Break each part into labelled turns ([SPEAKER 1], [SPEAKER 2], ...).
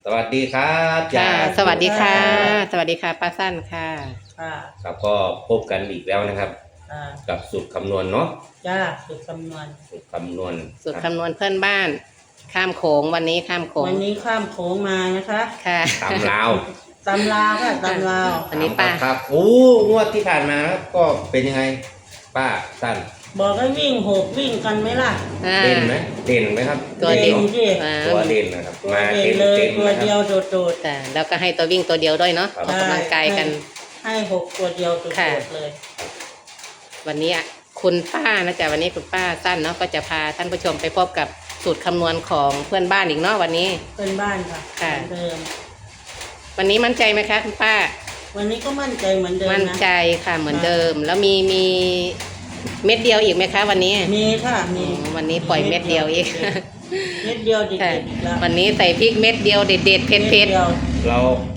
[SPEAKER 1] สวัสดีครับ
[SPEAKER 2] ค่ะ
[SPEAKER 1] ยาย
[SPEAKER 2] สวัสดีค่ะสวัสดีค่ะป้าสั้นค่ะ
[SPEAKER 3] ค่ะ
[SPEAKER 1] ครับก็พบกันอีกแล้วนะครับกับสูตรคำนวณเนาะ
[SPEAKER 3] จ้าสูตรคำนวณ
[SPEAKER 1] สูตรคำนวณ
[SPEAKER 2] สูตร
[SPEAKER 1] ครับ
[SPEAKER 2] คำนวณเพื่อนบ้านข้ามโขงวันนี้ข้ามโขง
[SPEAKER 3] วันนี้ข้ามโขงมานะคะ
[SPEAKER 2] ค่ะ
[SPEAKER 1] ตำลาว
[SPEAKER 3] ตำลาวค่ะตำลาว
[SPEAKER 2] วันนี้ป้า
[SPEAKER 1] ครับโอ้งวดที่ผ่านมาครับก็เป็นยังไงป้าสั้น
[SPEAKER 3] บอกให้วิ่งหกวิ่งกันไหมล่ะ
[SPEAKER 1] เด่นไหมเด่นไหมครับ
[SPEAKER 2] ตัวเด่น
[SPEAKER 3] สิ
[SPEAKER 1] ตัวเด่นนะครับ
[SPEAKER 3] ตัว
[SPEAKER 1] มา
[SPEAKER 3] เด่น
[SPEAKER 1] เต็ม
[SPEAKER 3] เลย
[SPEAKER 1] เต็ม
[SPEAKER 3] ตัว
[SPEAKER 1] นะค
[SPEAKER 3] เดีย
[SPEAKER 1] รั
[SPEAKER 3] ว
[SPEAKER 1] บ
[SPEAKER 3] โดด
[SPEAKER 2] แต่แล้วก็ให้ตัววิ่งตัวเดียวด้วยเนาะ
[SPEAKER 1] ครับ
[SPEAKER 2] ออกกำลังกายกัน
[SPEAKER 3] ให้หกตัวเดียวโด
[SPEAKER 2] ค่ะ
[SPEAKER 3] ดๆเลย
[SPEAKER 2] วันนี้คุณป้านะจ๊ะวันนี้คุณป้าสั้นเนาะก็จะพาท่านผู้ชมไปพบกับสูตรคำนวณของเพื่อนบ้านอีกเนาะวันนี้
[SPEAKER 3] เป็นบ้านค่ะ
[SPEAKER 2] ค่ะ
[SPEAKER 3] เหมือนเดิม
[SPEAKER 2] วันนี้มั่นใจไหมคะคุณป้า
[SPEAKER 3] วันนี้ก็มั่นใจเหมือนเดิม
[SPEAKER 2] มั่น
[SPEAKER 3] นะ
[SPEAKER 2] ใจค่ะเหมือนเดิม แล้วมีเม็ดเดียวอีกไหมคะวันนี้
[SPEAKER 3] มีค่ะมี
[SPEAKER 2] วันนี้ปล่อยเม็ดเดียวอีก
[SPEAKER 3] เม็ดเดียวเด็ด
[SPEAKER 2] ค่ะ
[SPEAKER 3] ๆอีกแล้ว
[SPEAKER 2] วันนี้ใส่พริกเม็ดเดียวเด็ดๆเผ็ด
[SPEAKER 3] ม็ดดียว
[SPEAKER 1] เรา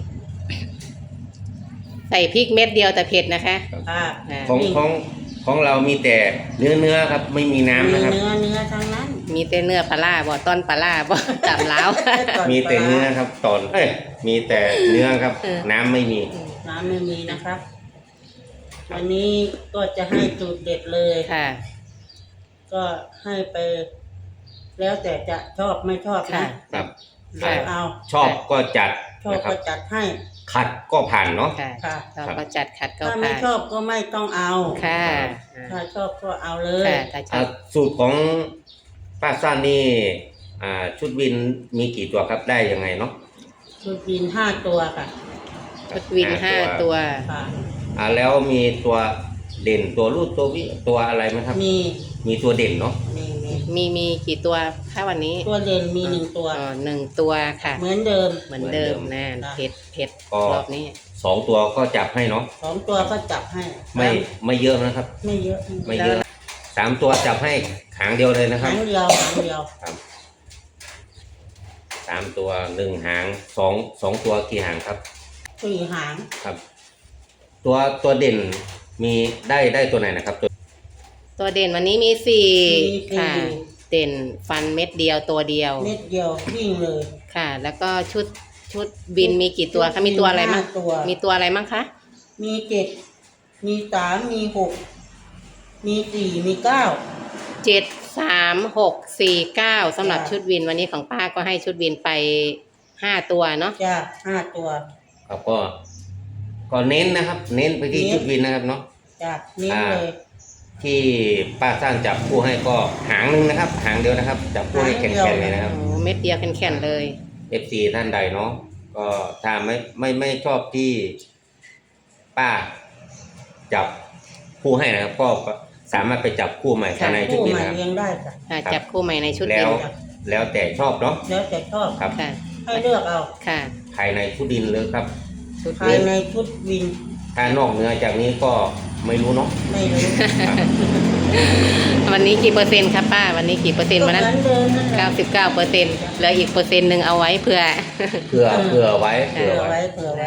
[SPEAKER 2] ๆใส่พริกเม็ดเดียวแต่เผ็ดนะคะ
[SPEAKER 3] ค่ะ
[SPEAKER 2] อ่า
[SPEAKER 1] ของเรามีแต่เนื้อครับไม่มีน้ำ
[SPEAKER 3] มี
[SPEAKER 1] นะครับ
[SPEAKER 3] เนื้อทั้งนั้น
[SPEAKER 2] มีแต่เนื้อปลาร้าบ่ต้นปลาร้าบ่ จับแล้ว
[SPEAKER 1] มีแต่เนื้อครับตอนมีแต่เนื้อครับ
[SPEAKER 2] เออ
[SPEAKER 1] น้ำไม่มี
[SPEAKER 3] น้ำไม่มีนะครับ วันนี้ก็จะให้สูตรเด็ดเลย
[SPEAKER 2] ค่ะ
[SPEAKER 3] ก็ให้ไป แล้วแต่จะชอบไม่ชอบ
[SPEAKER 2] ค่ะ
[SPEAKER 3] นะครับ เลือกเอา
[SPEAKER 1] ชอบก็จัด
[SPEAKER 3] ชอบ
[SPEAKER 1] นะครั
[SPEAKER 3] ก็
[SPEAKER 1] บ
[SPEAKER 3] จัดให้
[SPEAKER 1] ขัดก็ผ่านเนาะ
[SPEAKER 2] ค่ะ
[SPEAKER 3] ค่ะ
[SPEAKER 2] เราก็จัดขัดเก้า
[SPEAKER 3] ถ้าไม่
[SPEAKER 2] ผ่าน
[SPEAKER 3] ชอบก็ไม่ต้องเอา
[SPEAKER 2] ค่ะ
[SPEAKER 3] ถ้าชอบก็เอาเลย
[SPEAKER 2] ค่ะถ้าชอบ
[SPEAKER 1] สูตรของป้าซ่านนี่ชุดวินมีกี่ตัวครับได้ยังไงเนาะ
[SPEAKER 3] ชุดบิน5 ตัวค่ะ
[SPEAKER 2] ชุดวิน5 ตัว
[SPEAKER 3] ค่ะ
[SPEAKER 1] แล้วมีตัวเด่นตัวรูดตัววิตัวอะไรไหมครับ
[SPEAKER 3] มี
[SPEAKER 1] ตัวเด่นเนาะ
[SPEAKER 2] มีกี่ตัวคะวันนี้
[SPEAKER 3] ตัวเด่นมี1 ตัว
[SPEAKER 2] อ๋อ1 ตัวค่ะ
[SPEAKER 3] เหมือนเดิม
[SPEAKER 2] เหมือนเดิมนะ
[SPEAKER 3] ค่ะ
[SPEAKER 2] เผ็ดรอบนี้
[SPEAKER 1] 2 ตัวก็จับให้เนาะ
[SPEAKER 3] 2 ตัวก็จับให้
[SPEAKER 1] ไม่เยอะนะครับ
[SPEAKER 3] ไม่เยอะ
[SPEAKER 1] ไม่เยอะ3 ตัวจับให้หางเดียวเลยนะค
[SPEAKER 3] หา
[SPEAKER 1] รับ
[SPEAKER 3] งเดียวหางเดียว
[SPEAKER 1] ครับ3 ตัว1 หาง2 ตัวกี่หางครับ
[SPEAKER 3] 4 หาง
[SPEAKER 1] ครับ ตัวเด่นมีได้ตัวไหนนะครับ
[SPEAKER 2] ตัวเด่นวันนี้มี
[SPEAKER 3] มี
[SPEAKER 2] 4ค่ะ เด่นฟันเม็ดเดียวตัวเดียว
[SPEAKER 3] เม็ดเดียววิ่งเลย
[SPEAKER 2] ค่ะ แล้วก็ชุดบินมีกี่ตัวคะมีตัวอะไรมั่ง
[SPEAKER 3] 5 ตัว
[SPEAKER 2] มีตัวอะไรมั่งคะ
[SPEAKER 3] มี7มี3มี6มี4มี9
[SPEAKER 2] 7 3 6 4 9สำหรับชุดวินวันนี้ของป้าก็ให้ชุดวินไป5 ตัวเนาะ
[SPEAKER 3] จ้า5 ตัว
[SPEAKER 1] ครับก็เน้นนะครับ เน้นไปที่ชุดวินนะครับเนาะ
[SPEAKER 3] จ้านิ้วเลย
[SPEAKER 1] ที่ป้าสร้างจับคู่ให้ก็หางหนึ่งนะครับ หางเดียวนะครับจับคู่ให้แข็งๆเลยนะครับ
[SPEAKER 2] โอ้เม็ดเดียวแข็งๆเลย
[SPEAKER 1] FC ท่านใดเนาะก็ถ้าไม่ชอบที่ป้าจับคู่ให้นะครับ ก็สามารถไปจับคู่ใหม่ภายในชุด
[SPEAKER 3] คู่
[SPEAKER 1] วิน
[SPEAKER 3] ใหม่
[SPEAKER 1] นะครับ
[SPEAKER 3] เลี้ยงได้จ้ะ
[SPEAKER 2] ค่ะจับคู่ใหม่ในชุด
[SPEAKER 1] แล้
[SPEAKER 2] วิ
[SPEAKER 1] วน แล้วแต่ชอบเนาะ
[SPEAKER 3] แล้วแต่ชอบ
[SPEAKER 1] ครับ
[SPEAKER 2] ค่ะ
[SPEAKER 3] ให้เลือกเอา
[SPEAKER 2] ค่ะ
[SPEAKER 1] ภายในชุดดินเลยครับ
[SPEAKER 2] ชุด
[SPEAKER 3] ภา
[SPEAKER 2] วิ
[SPEAKER 3] ย
[SPEAKER 2] น
[SPEAKER 3] ในชุดวิน
[SPEAKER 1] ถ้านอกเหนือจากนี้ก็ไม่รู้เนาะ
[SPEAKER 3] ไม่รู้
[SPEAKER 1] ครับ
[SPEAKER 2] วันนี้กี่เปอร์เซ็นต์ครับป้าวันนี้กี่เปอร์เซ็นต์วันนั้น
[SPEAKER 3] ก็เหมือนเดิมนั่นแหละ
[SPEAKER 2] 99%เหลืออีก1%เอาไว้เผื่อ
[SPEAKER 1] เผื่อไว้
[SPEAKER 3] เผื่อไว้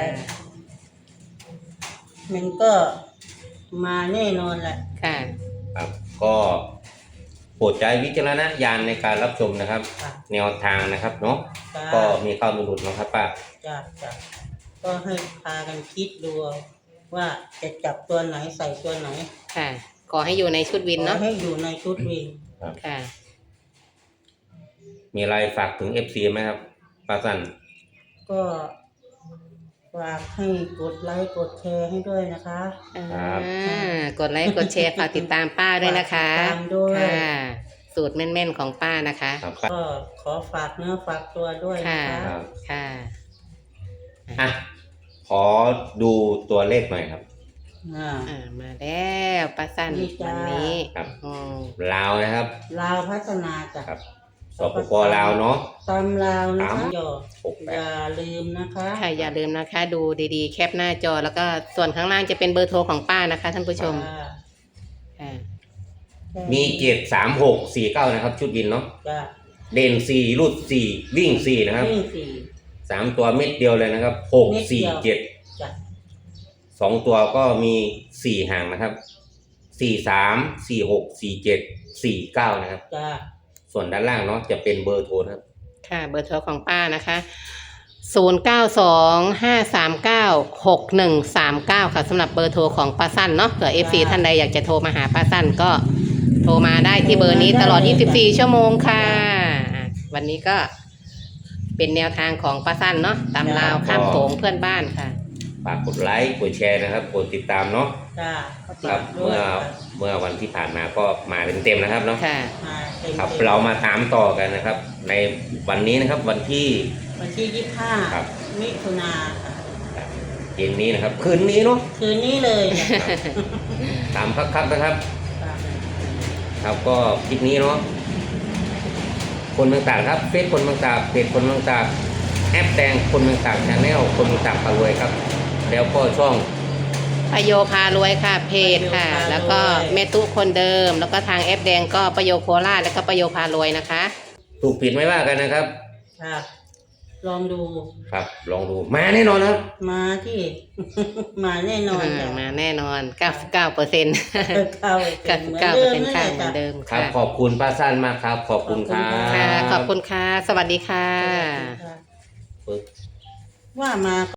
[SPEAKER 3] มันก็มาแน่นอนแหละ
[SPEAKER 2] ค่ะ
[SPEAKER 1] ครับก็โปรดใช้วิจารณญาณในการรับชมนะครับ
[SPEAKER 3] ค่ะ
[SPEAKER 1] แนวทางนะครับเนาะ
[SPEAKER 3] จ้า
[SPEAKER 1] ก็มีข้าวมีหลุดนะครับป้า
[SPEAKER 3] จ้าก็ให้พากันคิดดูว่าจะจับตัวไหนใส่ตัวไหน
[SPEAKER 2] ค่ะ ขอให้อยู่ในชุดวิน
[SPEAKER 3] ขอ
[SPEAKER 2] เนาะ
[SPEAKER 3] ให้อยู่ในชุดวิน
[SPEAKER 2] ค่ะ
[SPEAKER 1] มีอะไรฝากถึง FC ไหมครับป้าสัน
[SPEAKER 3] ก็ฝากให้กดไลค์กดแชร์ให้ด้วยนะคะ
[SPEAKER 2] กดไลค์กดแชร์ฝากติดตามป้าด้วยนะคะ
[SPEAKER 3] ฝากติดตามด้วย
[SPEAKER 2] ค่ะ สูตรแม่นๆของป้านะคะ
[SPEAKER 1] ครับป้า
[SPEAKER 3] ก็ขอฝากเนื้อฝากตัวด้วยนะ
[SPEAKER 2] ค่ะ
[SPEAKER 3] คะ
[SPEAKER 1] ครับ
[SPEAKER 2] ค่ะ
[SPEAKER 1] อ่ะขอดูตัวเลขหน่อยครับ
[SPEAKER 2] มาแล้วป้าสั้น
[SPEAKER 3] นี่จ้า
[SPEAKER 2] วันนี้
[SPEAKER 1] ครับ
[SPEAKER 2] อืม
[SPEAKER 1] ลาวนะครับ
[SPEAKER 3] ลาวพัฒนาจ้ะ
[SPEAKER 1] ครับสปปลาวเนาะ
[SPEAKER 3] ตำลาวนะคะ
[SPEAKER 1] สาม
[SPEAKER 3] อย่า
[SPEAKER 1] 68
[SPEAKER 3] อย่าลืมนะคะ
[SPEAKER 2] ค่ะอย่าลืมนะคะ ดูดีๆ แคปหน้าจอแล้วก็ส่วนข้างล่างจะเป็นเบอร์โทรของป้านะคะท่านผู้ชม
[SPEAKER 3] จ้า
[SPEAKER 2] ค่ะ
[SPEAKER 1] มี73649นะครับ ชุดวินเนาะ
[SPEAKER 3] จ้า
[SPEAKER 1] เด่น4รูด4วิ่ง4นะครับ
[SPEAKER 3] วิ่งสี่
[SPEAKER 1] 3 ตัวเม็ดเดียวเลยนะครับ
[SPEAKER 3] เม็ดเดียว
[SPEAKER 1] 6 4 7
[SPEAKER 3] จ้ะ
[SPEAKER 1] 2 ตัวก็มี4หางนะครับ43 46 47 49นะครับ
[SPEAKER 3] จ้า
[SPEAKER 1] ส่วนด้านล่างเนาะจะเป็นเบอร์โทรนะครับ
[SPEAKER 2] ค่ะ เบอร์โทรของป้านะคะ 0925396139ค่ะสำหรับเบอร์โทรของป้าสั้นเนาะเผื่อ FC ท่านใดอยากจะโทรมาหาป้าสั้นก็โทรมาได้ที่เบอร์นี้ตลอด24ชั่วโมงค่ะวันนี้ก็เป็นแนวทางของป้าสั้นเนาะตามลาวข้ามโขงเพื่อนบ้านค่ะ
[SPEAKER 1] ฝากกดไลค์กดแชร์นะครับกดติดตามเนาะ
[SPEAKER 3] จ้า
[SPEAKER 1] ครับเมื่อวันที่ผ่านมาก็มาเต็มๆนะครับเนาะ
[SPEAKER 2] ค่ะ
[SPEAKER 3] มาเต็ม
[SPEAKER 1] ครับเรามาตามต่อกันนะครับ ในวันนี้นะครับวันที่
[SPEAKER 3] วันที่
[SPEAKER 1] ครับ
[SPEAKER 3] 25 มิถุนาค่ะ
[SPEAKER 1] เย็นนี้นะครับคืนนี้เนาะ
[SPEAKER 3] คืนนี้เลยจ้ะ
[SPEAKER 1] ตามครับนะครับ
[SPEAKER 3] จ้ะ
[SPEAKER 1] ครับก็คลิปนี้เนาะคนเมืองตากครับเฟซคนเมืองตากเพจคนเมืองตากแอปแดงคนเมืองตากชาแนลคนเมืองตากพารวยครับ แล้วก็ช่อง
[SPEAKER 2] ประโยพารวยค่ะเพจค่ะ แล้วก็แม่ตุ๊คนเดิม แล้วก็ทางแอปแดงก็ประโยโคราชแล้วก็ประโยพารวยนะคะ
[SPEAKER 1] ถูกผิดไม่ว่ากันนะครับ
[SPEAKER 3] ค่ะ ลองดู
[SPEAKER 1] ครับลองดูมาแน่นอนนะครับ
[SPEAKER 3] มาที่ มาแน่นอนจ้ะ
[SPEAKER 2] มาแน่นอน 99%
[SPEAKER 3] เข้าเหมือนเดิม
[SPEAKER 2] 99%ค่ะเหมือนเดิม
[SPEAKER 1] ครับ
[SPEAKER 2] ค่ะ
[SPEAKER 1] ขอบคุณป้าสั้นมากครับ ขอบคุณครับ
[SPEAKER 2] ค่ะ ขอบคุณค่ะ สวัสดีค่ะ
[SPEAKER 3] ว่ามา